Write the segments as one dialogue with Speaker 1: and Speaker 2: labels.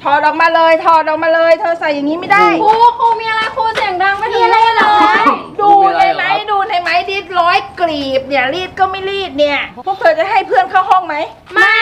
Speaker 1: ถอดออกมาเลยถอดออกมาเลยเธอใส่อย่างนี้ไม่ได้
Speaker 2: ครูมีอะไรครูเสียงดังไม่ถึงเลยเหรอ
Speaker 1: ดูในไหมดูในไหมรีดร้อยกลีบเนี่ยรีดก็ไม่รีดเนี่ยพวกเธอจะให้เพื่อนเข้าห้องไหม
Speaker 2: ไม่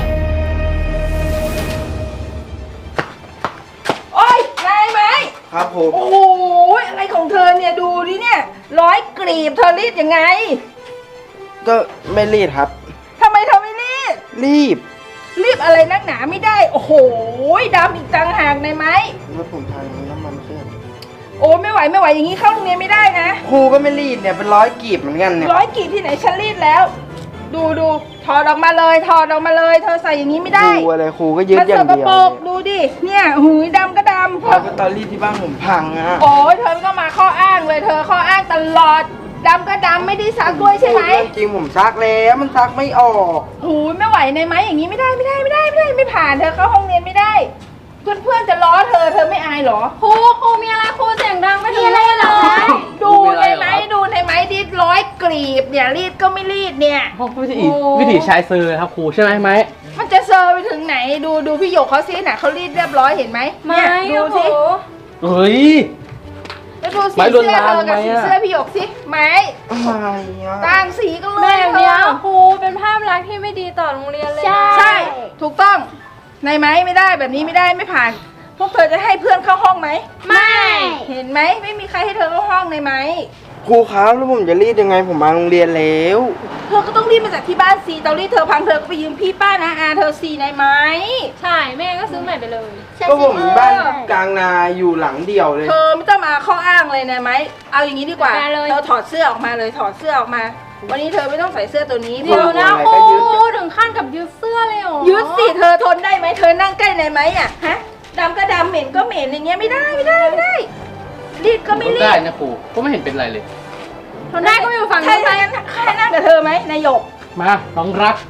Speaker 1: โอ๊ยนายไหม
Speaker 3: ครับผม
Speaker 1: โอ้โหอะไรของเธอเนี่ยดูดิเนี่ยร้อยกลีบเธอรีดยังไง
Speaker 3: ก็ไม่รีดครับ
Speaker 1: ทำไมเธอไม่รีดรีบอะไรนักหนาไม่ได้โอ้โหดำอีกต่างหากในไหม
Speaker 3: รถผมพังน้ำมันเครื่อง
Speaker 1: โอ้ไม่ไหวอย่างนี้เข้าโรงเรียนไม่ได้นะ
Speaker 3: ครูก็ไม่รีดเนี่ยเป็นร้อยกีบเหมือนกันเนี่ย
Speaker 1: ร้อยกีบที่ไหนฉันรีดแล้วดูถอดออกมาเลยถอดออกมาเลยเธอใส่อย่างนี้ไม่ได้
Speaker 3: ดูอะไรครูก็ยืดอย่างเดียว
Speaker 1: ดูดิเนี่ยหูยดำก็ดำ
Speaker 3: เพราะตอนรีดที่บ้านผมพังอะ
Speaker 1: โอ้ยเธอก็มาข้ออ้างเลยเธอข้ออ้างตลอดดำก็ดำไม่ได้ซักด้วยใช่ไหม
Speaker 3: จริงผมซักแล้วมันซักไม่ออก
Speaker 1: หูยไม่ไหวในไหมอย่างนี้ไม่ได้ไม่ผ่านเธอเข้าห้องเรียนไม่ได้เพื่อนจะล้อเธอไม่อายหรอ
Speaker 2: ครูมีอะไรครูเสียงดังไม่ถึงเลยเหรอ
Speaker 1: ดูในไหมรีดร้อยกลีบเนี่ยรีดก็ไม่รีดเนี่ย
Speaker 4: วิถีชายเซอร์ครับครูใช่ไหม
Speaker 1: มันจะเซอร์ไปถึงไหนดูพี่หยกเขาซิน่ะเขารีดเรียบร้อยเห็นไหม
Speaker 2: เนี่ยดูสิ
Speaker 4: เฮ้ย
Speaker 1: แล้วดูสีเสื้อเธอกับสีเสื้อพี่หยกสิไหมต่างสีกันเลย
Speaker 2: แบบนี้ครูเป็นภาพลักษณ์ที่ไม่ดีต่อโรงเรียนเลย
Speaker 1: ใช่ถูกต้องในไหมไม่ได้แบบนี้ไม่ได้ไม่ผ่านพวกเธอจะให้เพื่อนเข้าห้องไหม
Speaker 2: ไม่
Speaker 1: เห็นไหมไม่มีใครให้เธอเข้าห้องในไหม
Speaker 3: ครูครับแล้วผมจะรีดยังไงผมมาโรงเรียนแล้ว
Speaker 1: เธอก็ต้องรีดมาจากที่บ้านซีเตารีดเธอพังเธอก็ไปยืมพี่ป้านะอาเธอซีในไหม
Speaker 2: ใช่แม่ก็ซื้อใหม่ไปเลย
Speaker 3: ก็ผมบ้านกลางนาอยู่หลังเดียวเลย
Speaker 1: เธอไม่ต้องมาข้ออ้างเลยนะไหมเอาอย่างนี้ดีกว่าเธอถอดเสื้อออกมาเลยถอดเสื้อออกมาวันนี้เธอไม่ต้องใส่เสื้อตัวนี้
Speaker 2: เดี๋ยวนะครูถึงขั้นกับยืดเสื้อเลยเหรอ
Speaker 1: ยืดสิเธอทนได้ไหมเธอนั่งใกล้ในไหมอ่ะฮะดำก็ดำเหม็นก็เหม็นอย่างเงี้ยไม่ได้รีดก็ไม่รีด
Speaker 4: ได้นะครูก็ไม่เห็นเป็นไรเลย
Speaker 2: ทนได้ก็อยู่ฝั่งนี้
Speaker 1: ใครนั่งกับเธอไหมนายหยก
Speaker 4: มาน้องรัก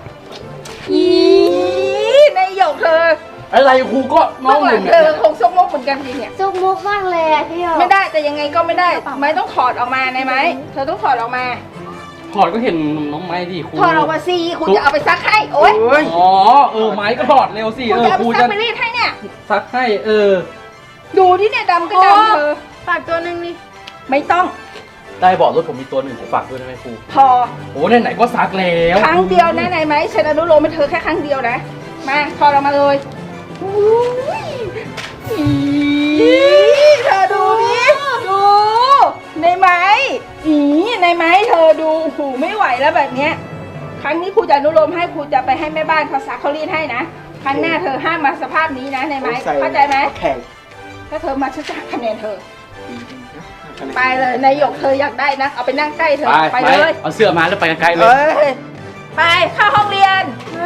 Speaker 1: นายหยกเธอ
Speaker 4: อะไรครูก็น้อง
Speaker 1: เธอคงซกมกเหมือนกันทีเนี่ย
Speaker 2: ซกมกมากเลยพี่หยก
Speaker 1: ไม่ได้แต่ยังไงก็ไม่ได้ไม่ต้องถอดออกมาในไหมเธอต้องถอดออกมา
Speaker 4: ถอดก็เห็นน้องไม้ดิครู
Speaker 1: ถอดออกมาสิครูจะเอาไปซักให้โอ๊ย
Speaker 4: อ๋อไม้ก็ถอดเร็วสิ
Speaker 1: ครูจะไปรีดให้เนี่ย
Speaker 4: ซักให้
Speaker 1: ดูที่เนี่ยดำก็ดำเธอ
Speaker 2: ฝากตัวนึงนี่
Speaker 1: ไม่ต้อง
Speaker 4: ได้บอกรถผมมีตัวหนึ่งฝากด้วยได้ไหมครู
Speaker 1: พอ
Speaker 4: โอ้ไหนก็ซักแล้ว
Speaker 1: ครั้งเดียวนะไหนไหมฉันอนุโลมให้เธอแค่ครั้งเดียวนะมาถอดออกมาเลยเธอดูดิดูในไหมในไหมเธอดูหูไม่ไหวแล้วแบบเนี้ยครั้งนี้ครูจะอนุโลมให้ครูจะไปให้แม่บ้านเขาซักเขารีดให้นะครั้งหน้าเธอห้ามมาสภาพนี้นะในไหมเข้าใจไหมถ้าเธอมาฉันจะหักคะแนนเธอไปเลยนายหยกเธออยากได้นะเอาไปนั่งใกล้เธอไปเลย
Speaker 4: เอาเสื้อมาแล้วไปไกลเลย
Speaker 1: ไปเข้าห้องเรียน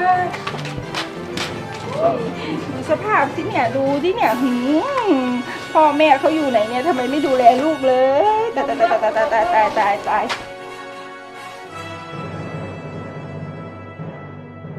Speaker 1: ดูสภาพสิเนี่ยดูที่เนี่ยพ่อแม่เขาอยู่ไหนเนี่ยทำไมไม่ดูแลลูกเลยตาย